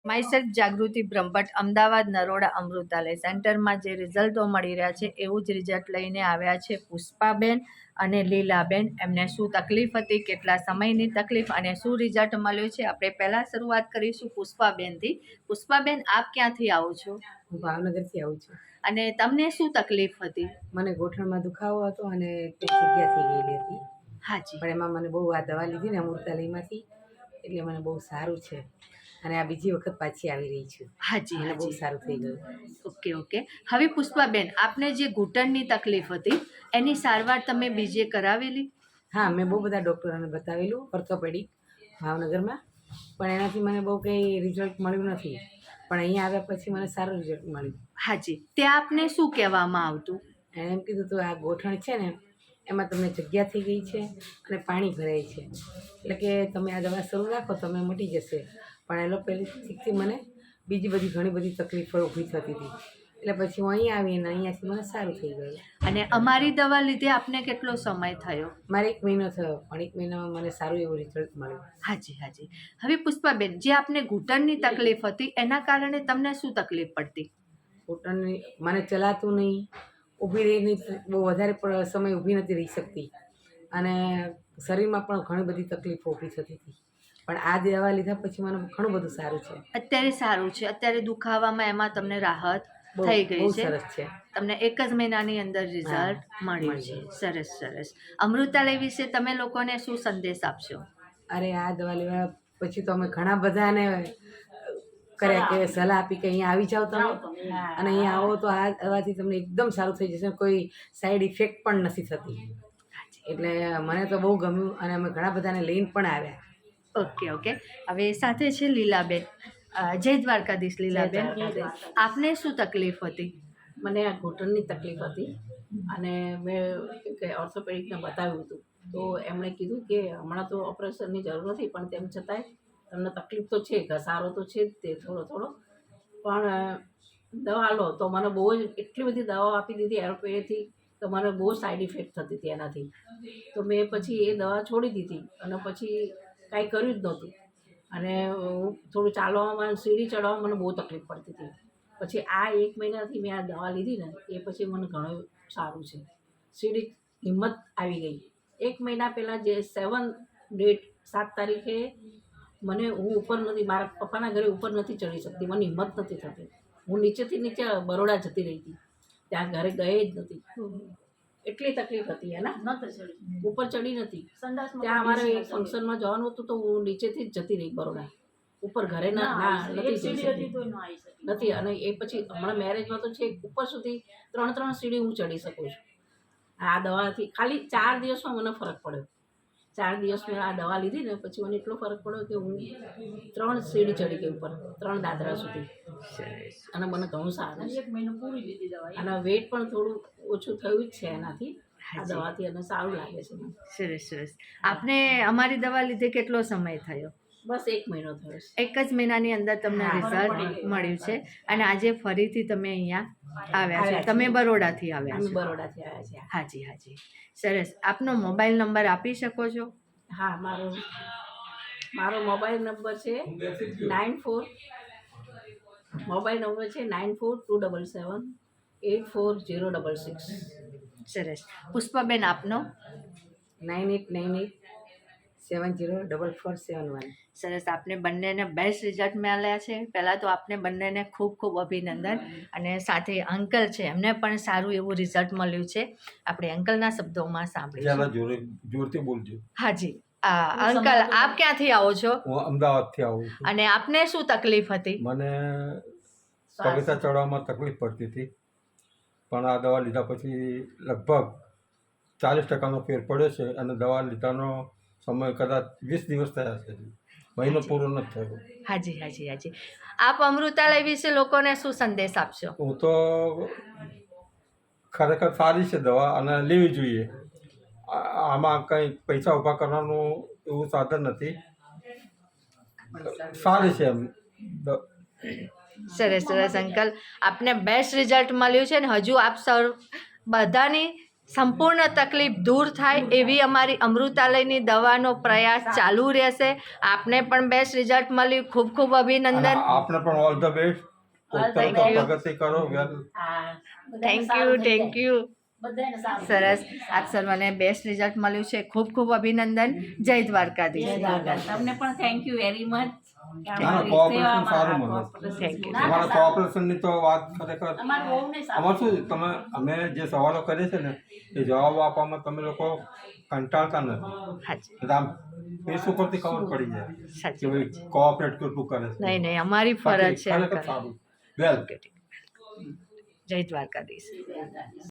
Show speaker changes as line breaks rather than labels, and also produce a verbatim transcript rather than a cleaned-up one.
Myself Jagruti Brahmbhatt, Ahmedabad Naroda Amrutalay સેન્ટરમાં જે રિઝલ્ટો મળી રહ્યા છે એવું જ રિઝલ્ટ લઈને આવ્યા છે પુષ્પાબેન અને લીલાબેન. એમને શું તકલીફ હતી, કેટલા સમયની તકલીફ અને શું રિઝલ્ટ મળ્યું છે, આપણે પહેલાં શરૂઆત કરીશું પુષ્પાબેનથી. પુષ્પાબેન, આપ ક્યાંથી આવો છો?
હું ભાવનગરથી આવું છું.
અને તમને શું તકલીફ હતી?
મને ગોઠણમાં દુખાવો હતો અને પેટ જગ્યા થઈ ગયેલી હતી.
હાજી.
પણ એમાં મને બહુ આ દવા લીધી ને અમૃતાલયમાંથી, એટલે મને બહુ સારું છે અને આ બીજી વખત પાછી આવી રહી છું.
હાજી,
મને બહુ
હાજી.
સારું થઈ ગયું.
Okay okay. હવે પુષ્પાબેન, આપને જે ઘૂંટણની તકલીફ હતી એની સારવાર તમે બીજે કરાવેલી?
હા, મેં બહુ બધા ડૉક્ટરોને બતાવેલું ઓર્થોપેડિક ભાવનગરમાં, પણ એનાથી મને બહુ કંઈ રિઝલ્ટ મળ્યું નથી. પણ અહીંયા આવ્યા પછી મને સારું રિઝલ્ટ મળ્યું.
હાજી. ત્યાં આપને શું કહેવામાં આવતું?
એણે એમ કીધું તો આ ગોઠણ છે ને એમાં તમને જગ્યા થઈ ગઈ છે અને પાણી ભરાય છે, એટલે કે તમે આ દવા શરૂ રાખો તમે મટી જશે. પણ એલોપેથિકથી મને બીજી બધી ઘણી બધી તકલીફો ઊભી થતી હતી, એટલે પછી હું અહીંયા આવી અને અહીંયાથી મને સારું થઈ ગયું.
અને અમારી દવા લીધે આપને કેટલો સમય થયો?
મારે એક મહિનો થયો, પણ એક મહિનામાં મને સારું એવું રિઝલ્ટ મળ્યું.
હાજી હાજી. હવે પુષ્પાબેન, જે આપને ઘૂંટણની તકલીફ હતી એના કારણે તમને શું તકલીફ પડતી?
ઘૂંટણની મને ચલાતું નહીં, ઊભી રહીને બહુ વધારે પ- સમય ઊભી નથી રહી શકતી અને શરીરમાં પણ ઘણી બધી તકલીફો ઊભી થતી હતી. પણ આ દવા લીધા પછી મને ઘણું બધું સારું છે.
અત્યારે સારું છે, અત્યારે દુખાવામાં એમાં તમને રાહત
બહુ
થઈ ગઈ
બહુ
છે.
સરસ છે.
તમને એક જ મહિનાની અંદર રિઝલ્ટ મળ્યું છે. સરસ સરસ. અમૃતાલય વિશે તમે લોકોને શું સંદેશ આપશો?
અરે આ દવા લેવા પછી તો અમે ઘણા બધાને કર્યા કે સલાહ આપી કે અહીંયા આવી જાઓ તમે અને અહીંયા આવો તો આ દવાથી તમને એકદમ સારું થઈ જશે, કોઈ સાઈડ ઇફેક્ટ પણ નથી થતી. એટલે મને તો બહુ ગમ્યું અને અમે ઘણા બધાને લઈને પણ આવ્યા.
Okay okay. હવે સાથે છે લીલાબેન. અ, જય દ્વારકાધીશ લીલાબેન.
જય દ્વારકાધીશ.
આપને શું તકલીફ હતી?
મને આ ઘૂંટણની તકલીફ હતી અને મેં શું કે ઓર્થોપેડિકને બતાવ્યું હતું, તો એમણે કીધું કે હમણાં તો ઓપરેશનની જરૂર નથી, પણ તેમ છતાંય તમને તકલીફ તો છે, ઘસારો તો છે જ તે થોડો થોડો, પણ દવા લો. તો મને બહુ જ એટલી બધી દવાઓ આપી દીધી એરોપેથી, તો મને બહુ સાઈડ ઇફેક્ટ થતી હતી એનાથી. તો મેં પછી એ દવા છોડી દીધી અને પછી કાંઈ કર્યું જ નહોતું. અને હું થોડું ચાલવામાં, સીડી ચડવામાં મને બહુ તકલીફ પડતી હતી. પછી આ એક મહિનાથી મેં આ દવા લીધી ને એ પછી મને ઘણું સારું છે. સીડી હિંમત આવી ગઈ. એક મહિના પહેલાં જે સેવન ડેટ સાત તારીખે મને હું ઉપર નથી, મારા પપ્પાના ઘરે ઉપર નથી ચડી શકતી, મને હિંમત નથી થતી. હું નીચેથી નીચે બરોડા જતી રહી હતી, ત્યાં ઘરે ગઈ જ નથી, એટલી તકલીફ હતી એના, ઉપર ચડી નથી. ત્યાં અમારે એક ફંક્શનમાં જવાનું હતું તો હું નીચેથી જ જતી રહી બરોડા, ઉપર ઘરે ના ના નથી જઈ શકતી નથી. અને એ પછી હમણાં મેરેજમાં તો છે ઉપર સુધી ત્રણ ત્રણ સીડી હું ચડી શકું છું. આ દવાથી ખાલી ચાર દિવસમાં મને ફરક પડ્યો. ચાર દિવસ મેં આ દવા લીધી ને પછી મને એટલો ફરક પડ્યો કે હું ત્રણ સીડી ચડી ગઈ ઉપર, ત્રણ દાદરા સુધી, અને મને ઘણું સારું છે. અને વેટ પણ થોડું ઓછું થયું જ છે એનાથી, આ દવાથી, અને સારું લાગે છે મને.
સરસ સરસ. આપને અમારી દવા લીધે કેટલો સમય થયો?
બસ એક મહિનો થયો છે.
એક જ મહિનાની અંદર તમને
હા,
રિઝલ્ટ મળ્યું છે અને આજે ફરીથી તમે અહીંયા આવ્યા છો. તમે બરોડાથી આવ્યા
અમે
છો?
બરોડાથી આવ્યા છીએ.
હાજી હાજી. સરસ. આપનો મોબાઈલ નંબર આપી શકો છો?
હા, મારો મારો મોબાઈલ નંબર છે નાઇન ફોર મોબાઈલ નંબર છે nine four two double seven eight four zero double six.
સરસ. પુષ્પાબેન, આપનો?
Nine eight nine eight seven zero double four seven one.
સરસ. આપને બંનેને બેસ્ટ રિઝલ્ટ મળ્યા છે. પહેલાં તો આપને બંનેને ખૂબ ખૂબ અભિનંદન. અને સાથે અંકલ છે એમને પણ સારું એવું રિઝલ્ટ મળ્યું છે. આપણે અંકલના શબ્દોમાં સાંભળીશું.
જોરે જોરથી બોલજો.
હાજી. આ અંકલ, આપ ક્યાંથી આવો છો
હું અમદાવાદથી આવું છું.
અને આપને શું તકલીફ હતી?
મને પગથિયા ચડવામાં તકલીફ પડતી હતી, પણ આ દવા લીધા પછી લગભગ ચાલીસ ટકાનો ફેર પડ્યો છે અને દવા લીધાનો સમય કદાચ વીસ દિવસ થયા છે, મહિનો પૂરો નથી થયો.
હાજી હાજી હાજી. આપ અમૃતાલય વિશે લોકોને શું સંદેશ આપશો?
હું તો ખરેખર સારી છે દવા અને લેવી જોઈએ. આ- આમાં કંઈ પૈસા ઊભા કરવાનું એવું સાધન નથી, સારી છે એમ. દ-
સરસ સરસ અંકલ, આપને બેસ્ટ રિઝલ્ટ મળ્યું છે ને હજુ આપ સર બધાની સંપૂર્ણ તકલીફ દૂર થાય એવી અમારી અમૃતાલયની દવાનો પ્રયાસ ચાલુ રહેશે. આપને પણ બેસ્ટ રિઝલ્ટ મળ્યું. ખૂબ ખૂબ અભિનંદન.
અને આપને પણ all the best.
Thank you.
પ્રગતિ કરો well.
Thank you thank you સરસ. આપ સર્વને બેસ્ટ રિઝલ્ટ મળ્યું છે. ખૂબ ખૂબ અભિનંદન. જય દ્વારકાધીશ.
તમને પણ થેન્ક યુ વેરી મચ.
ના, cooperation સારું મળે.
Thank you.
તમારા કોઓપરેશનની તો વાત ખરેખર
અમારું બહુ નહીં સારું.
આમાં શું તમે અમે જે સવાલો કરીએ છીએ ને એ જવાબો આપવામાં તમે લોકો કંટાળતા નથી.
હાજી
એટલે આમ ફેસ ઉપરથી ખબર પડી જાય કે
સાચી
ભાઈ કોઓપરેટ કેટલું કરે છે.
નહીં નહીં અમારી ફરજ છે.
ખરેખર સારું વેલ.
જય દ્વારકાધીશ.